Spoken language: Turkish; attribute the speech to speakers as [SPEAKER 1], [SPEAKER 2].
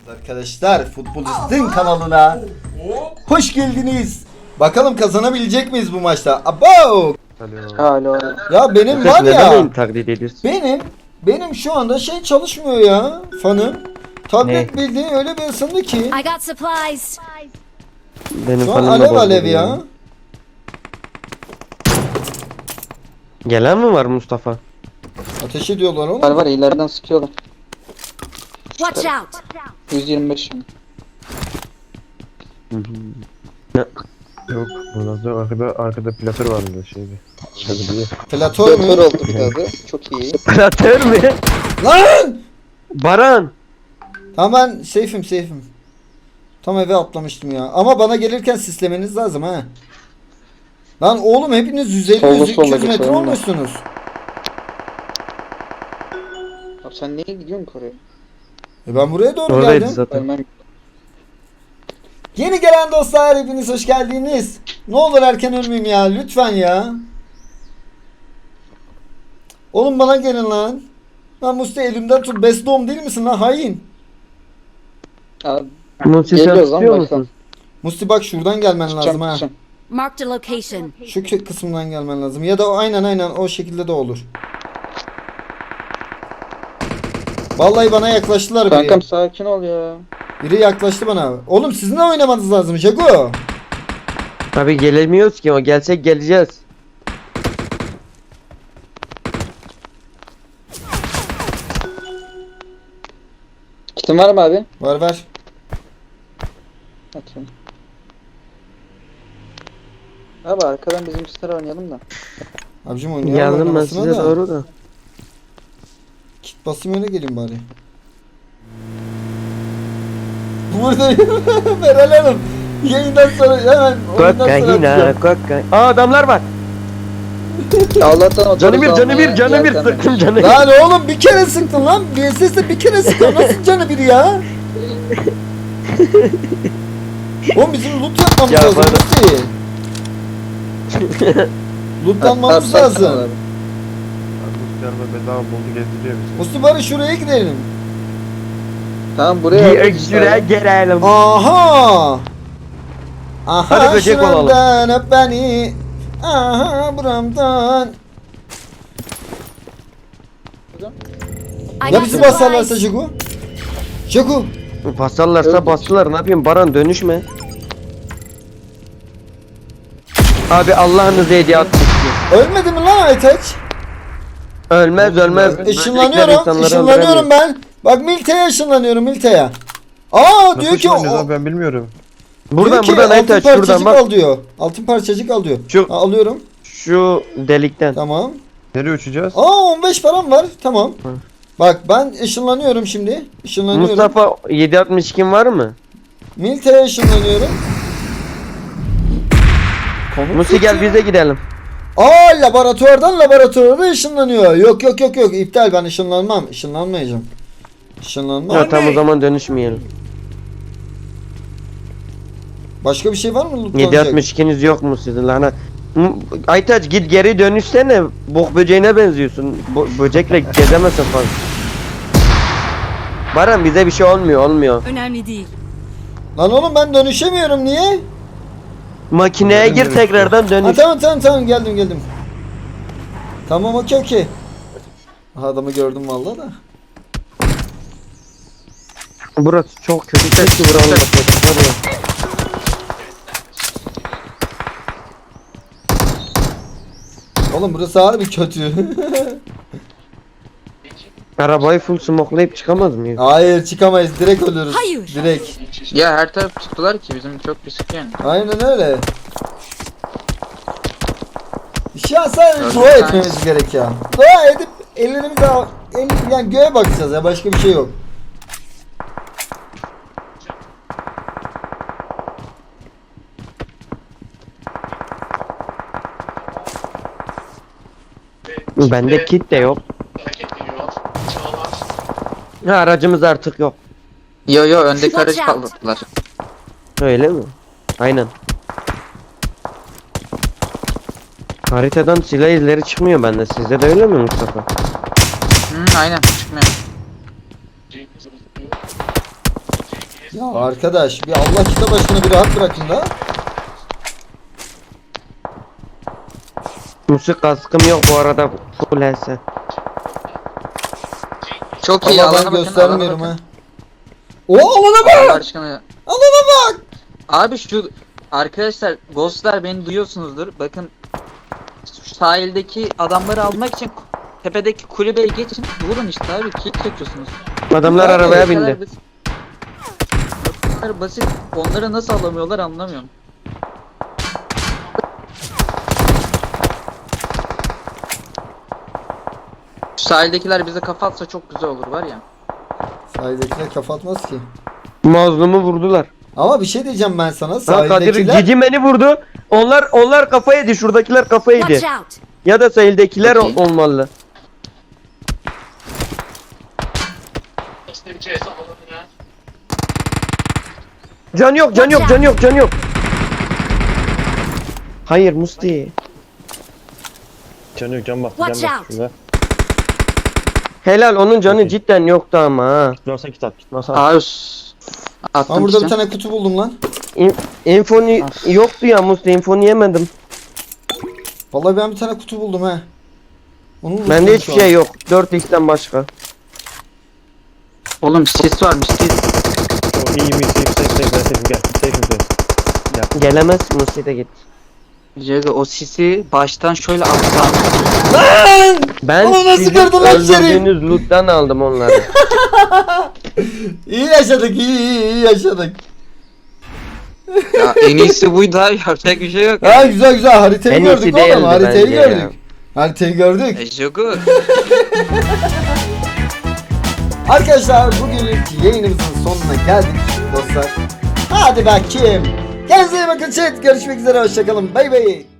[SPEAKER 1] Arkadaşlar Futbolistin kanalına hoş geldiniz. Bakalım kazanabilecek miyiz bu maçta? Abo!
[SPEAKER 2] Alo.
[SPEAKER 1] Ya benim var
[SPEAKER 2] Neden
[SPEAKER 1] ya.
[SPEAKER 2] beni taklit ediyorsun?
[SPEAKER 1] Benim şu anda şey çalışmıyor ya. Fanım. Tablet
[SPEAKER 2] Ne?
[SPEAKER 1] bildiğin öyle bir ısındı ki.
[SPEAKER 3] I got supplies.
[SPEAKER 2] Benim
[SPEAKER 1] Şu an
[SPEAKER 2] fanımla
[SPEAKER 1] alev
[SPEAKER 2] bozuldu
[SPEAKER 1] alev ya.
[SPEAKER 2] Gelen mi var Mustafa?
[SPEAKER 1] Ateş ediyorlar oğlum.
[SPEAKER 4] Var ileriden sıkıyorlar.
[SPEAKER 3] Watch out.
[SPEAKER 4] 125 şimdi.
[SPEAKER 5] Yok, bundan sonra arkada platör vardı şeyde. Şöyle
[SPEAKER 1] Platör
[SPEAKER 4] Doktor
[SPEAKER 1] mü?
[SPEAKER 4] oldu bir adı. Çok iyi.
[SPEAKER 2] Operatör mü?
[SPEAKER 1] Lan!
[SPEAKER 2] Baran!
[SPEAKER 1] Tamam ben safe'im. Tam eve atlamıştım ya. Ama bana gelirken sislemeniz lazım ha. Lan oğlum hepiniz 150
[SPEAKER 4] Solda
[SPEAKER 1] 200 metre
[SPEAKER 4] geçelim de.
[SPEAKER 1] olmuşsunuz.
[SPEAKER 4] Abi sen niye gidiyorsun oraya?
[SPEAKER 1] Ben buraya doğru
[SPEAKER 2] Oradaydı
[SPEAKER 1] geldim.
[SPEAKER 2] zaten.
[SPEAKER 4] Ölmem.
[SPEAKER 1] Yeni gelen dostlar hepiniz hoş geldiniz. Ne olur erken ölmeyeyim ya lütfen ya. Oğlum bana gelin lan. Lan Musti elimden tut. Best doğum değil misin lan hain?
[SPEAKER 4] Abi
[SPEAKER 2] Musi sen
[SPEAKER 4] geliyoruz lan
[SPEAKER 2] tutuyor
[SPEAKER 4] baştan.
[SPEAKER 2] musun?
[SPEAKER 1] Musti bak şuradan gelmen lazım
[SPEAKER 4] Çıkacağım
[SPEAKER 1] ha.
[SPEAKER 4] çıkacağım.
[SPEAKER 3] Marked a location.
[SPEAKER 1] Şu kısımdan gelmen lazım. Ya da aynen o şekilde de olur. Vallahi bana yaklaştılar biri.
[SPEAKER 4] Kankam sakin ol ya.
[SPEAKER 1] Biri yaklaştı bana. Oğlum sizin de oynamanız lazım Jago.
[SPEAKER 2] Abi gelemiyoruz ki, o gelsek geleceğiz.
[SPEAKER 4] Kitin var mı abi?
[SPEAKER 1] Ver.
[SPEAKER 4] Atıyorum. Abi arkadan bizim üstler oynayalım da.
[SPEAKER 1] Abicim oynayalım
[SPEAKER 2] Geldim ben
[SPEAKER 1] oynamasına
[SPEAKER 2] size
[SPEAKER 1] da.
[SPEAKER 2] doğru da.
[SPEAKER 1] Kit basayım öyle geleyim bari. Buradayım. Meral Hanım. Yayından sonra hemen oyundan sonra
[SPEAKER 2] Kokaina,
[SPEAKER 1] atacağım.
[SPEAKER 2] kokaina. Aa, adamlar var.
[SPEAKER 4] Allah'tan o
[SPEAKER 2] Canı bir,
[SPEAKER 4] topu
[SPEAKER 2] canı bir,
[SPEAKER 4] almaya
[SPEAKER 2] canı bir,
[SPEAKER 4] yeltenmedim.
[SPEAKER 2] sıktım canı bir.
[SPEAKER 1] Lan oğlum bir kere sıktın lan. BSS'de bir kere sıktın. Nasıl canı biri ya? Oğlum bizim loot yapmamız
[SPEAKER 2] Ya
[SPEAKER 1] lazım.
[SPEAKER 2] bana-
[SPEAKER 1] Musti. Lootlanmamız
[SPEAKER 4] Abi,
[SPEAKER 1] lazım.
[SPEAKER 4] abi.
[SPEAKER 5] bu araba bedava buldu gezdiriyor bizi.
[SPEAKER 1] Musti bari şuraya gidelim.
[SPEAKER 4] Tamam buraya
[SPEAKER 2] Bir
[SPEAKER 4] aldık işte
[SPEAKER 2] şuraya
[SPEAKER 4] abi.
[SPEAKER 2] gelelim.
[SPEAKER 1] Aha. Aha
[SPEAKER 2] Hadi böcek
[SPEAKER 1] şuramdan öp beni. Aha buramdan.
[SPEAKER 3] I
[SPEAKER 1] Ya
[SPEAKER 3] got
[SPEAKER 1] bizi basarlarsa
[SPEAKER 3] supplies.
[SPEAKER 1] Jago? Jago.
[SPEAKER 2] Basarlarsa bastılar, ne yapayım Baran, dönüşme. Abi Allah'ınızı hediye atmış.
[SPEAKER 1] Ölmedi mi lan Aytaç?
[SPEAKER 2] Ölmez ölmez. Böcekler
[SPEAKER 1] Işınlanıyorum.
[SPEAKER 2] insanları
[SPEAKER 1] Işınlanıyorum
[SPEAKER 2] öldüremiyor.
[SPEAKER 1] ben. Bak Milte'ye ışınlanıyorum Milte'ye. Aa diyor
[SPEAKER 5] Nasıl
[SPEAKER 1] ki
[SPEAKER 5] oynuyoruz abi ben bilmiyorum.
[SPEAKER 2] Buradan
[SPEAKER 1] diyor ki,
[SPEAKER 2] buradan
[SPEAKER 1] altın
[SPEAKER 2] Aytaç
[SPEAKER 1] parçacık
[SPEAKER 2] şuradan bak.
[SPEAKER 1] al diyor. Altın parçacık al diyor.
[SPEAKER 2] Şu-
[SPEAKER 1] Ha, alıyorum.
[SPEAKER 2] Şu delikten.
[SPEAKER 1] Tamam.
[SPEAKER 5] Nereye uçacağız?
[SPEAKER 1] Aa 15 param var. Tamam.
[SPEAKER 2] Hı.
[SPEAKER 1] Bak ben ışınlanıyorum şimdi. Işınlanıyorum.
[SPEAKER 2] Mustafa 762 var mı?
[SPEAKER 1] Milte'ye ışınlanıyorum. Konu
[SPEAKER 2] Musi gel bize gidelim.
[SPEAKER 1] Aa laboratuvardan laboratuvara ışınlanıyor. Yok. İptal ben ışınlanmam. Işınlanmayacağım. Işınlanmam.
[SPEAKER 2] Ya tam o zaman dönüşmeyelim.
[SPEAKER 1] Başka bir şey var mı lootlanacak?
[SPEAKER 2] 762'niz yok mu sizin lan? Aytaç git geri dönüşsene. Bok böceğine benziyorsun. Böcekle gezemezsin fazla. Baran bize bir şey olmuyor.
[SPEAKER 3] Önemli değil.
[SPEAKER 1] Lan oğlum ben dönüşemiyorum niye?
[SPEAKER 2] Makineye gir tekrardan
[SPEAKER 1] Ha,
[SPEAKER 2] dönüş.
[SPEAKER 1] tamam geldim. Tamam okey. Aha, adamı gördüm vallahi da.
[SPEAKER 2] Burası çok kötü. Keşke buranın da.
[SPEAKER 1] Oğlum burası harbi kötü.
[SPEAKER 2] Arabayı full smokelayıp çıkamaz mıyız?
[SPEAKER 1] Hayır çıkamayız direkt ölürüz.
[SPEAKER 3] Hayır.
[SPEAKER 1] Direkt.
[SPEAKER 4] Ya her taraf tuttular ki bizim çok riskli yani.
[SPEAKER 1] Aynen öyle. Ya sadece
[SPEAKER 4] Öyle
[SPEAKER 1] dua
[SPEAKER 4] bir
[SPEAKER 1] etmemiz gerek ya. Dua edip ellerimizi yani göğe bakacağız ya başka bir şey yok.
[SPEAKER 2] Bende kit de yok. Ha, aracımız artık yok.
[SPEAKER 4] Yo öndeki
[SPEAKER 3] Watch
[SPEAKER 4] aracı
[SPEAKER 3] out.
[SPEAKER 4] kaldırdılar.
[SPEAKER 2] Öyle mi? Aynen. Haritadan silah izleri çıkmıyor bende. Sizde de öyle mi Mustafa?
[SPEAKER 4] Aynen çıkmıyor.
[SPEAKER 1] Ya arkadaş bir Allah kitap aşkına bir rahat bırakın da.
[SPEAKER 2] Musik kaskım yok bu arada. Full HS.
[SPEAKER 4] Çok iyi,
[SPEAKER 1] Allah
[SPEAKER 4] alana
[SPEAKER 1] ben
[SPEAKER 4] bakın,
[SPEAKER 1] göstermiyorum
[SPEAKER 4] alana
[SPEAKER 1] ha. O alana
[SPEAKER 4] Allah
[SPEAKER 1] bak.
[SPEAKER 4] aşkına.
[SPEAKER 1] Alana bak.
[SPEAKER 4] Abi şu arkadaşlar, Ghostlar, beni duyuyorsunuzdur. Bakın şu sahildeki adamları almak için tepedeki kulübeye geçin. Vurun işte abi, kill çekiyorsunuz.
[SPEAKER 2] Adamlar
[SPEAKER 1] Abi,
[SPEAKER 2] arabaya
[SPEAKER 4] Bu kadar
[SPEAKER 2] bindi.
[SPEAKER 4] basit. Bu kadar basit. Onları nasıl alamıyorlar anlamıyorum. Şu sahildekiler bize kafa atsa çok güzel olur var ya.
[SPEAKER 1] Sahildekiler kafa atmaz ki.
[SPEAKER 2] Mazlumu vurdular.
[SPEAKER 1] Ama bir şey diyeceğim ben sana.
[SPEAKER 2] Ha Kadir
[SPEAKER 1] Sahildekiler
[SPEAKER 2] Cici beni vurdu. Onlar kafa yedi. Şuradakiler kafa yedi.
[SPEAKER 3] Watch out!
[SPEAKER 2] Ya da sahildekiler
[SPEAKER 4] Okey.
[SPEAKER 2] olmalı. Can yok, can yok, can yok, can yok. Hayır Musti.
[SPEAKER 5] Can yok, can bak.
[SPEAKER 3] Watch
[SPEAKER 5] Can bak.
[SPEAKER 3] out.
[SPEAKER 5] Şurada.
[SPEAKER 2] Helal, onun canı
[SPEAKER 5] Okey.
[SPEAKER 2] cidden yoktu ama ha.
[SPEAKER 5] Gitmezsen git at. Gitmezsen
[SPEAKER 4] Abi
[SPEAKER 1] ben
[SPEAKER 4] attım
[SPEAKER 1] burada
[SPEAKER 4] işte.
[SPEAKER 1] bir tane kutu buldum lan.
[SPEAKER 2] Infoni yoktu ya Musti, infoni yemedim.
[SPEAKER 1] Vallahi ben bir tane kutu buldum he. Onu buldum
[SPEAKER 2] Bende
[SPEAKER 1] şu
[SPEAKER 2] hiçbir
[SPEAKER 1] an.
[SPEAKER 2] şey yok. 4x'ten başka.
[SPEAKER 4] Oğlum sis varmış, sis.
[SPEAKER 5] O iyi mi? Safe gel. Safe.
[SPEAKER 2] Gelemez, Musti de git.
[SPEAKER 4] Jago, o sisi baştan şöyle atsan.
[SPEAKER 2] Ben
[SPEAKER 1] Oğlum nasıl
[SPEAKER 2] sizin
[SPEAKER 1] gördün lan içeri?
[SPEAKER 2] öldürdüğünüz loot'tan aldım onları.
[SPEAKER 1] İyi yaşadık, iyi yaşadık.
[SPEAKER 4] Ya en iyisi buydu abi, yapacak bir şey yok.
[SPEAKER 1] Ha güzel güzel haritayı
[SPEAKER 2] En
[SPEAKER 1] gördük
[SPEAKER 2] iyisi
[SPEAKER 1] oğlum,
[SPEAKER 2] değildi
[SPEAKER 1] haritayı
[SPEAKER 2] bence ya.
[SPEAKER 1] gördük. Haritayı gördük.
[SPEAKER 4] Jago.
[SPEAKER 1] Arkadaşlar bugünlük yayınımızın sonuna geldik dostlar. Hadi bakayım. Kendinize iyi bakın chat. Görüşmek üzere, hoşçakalın. Bay bay.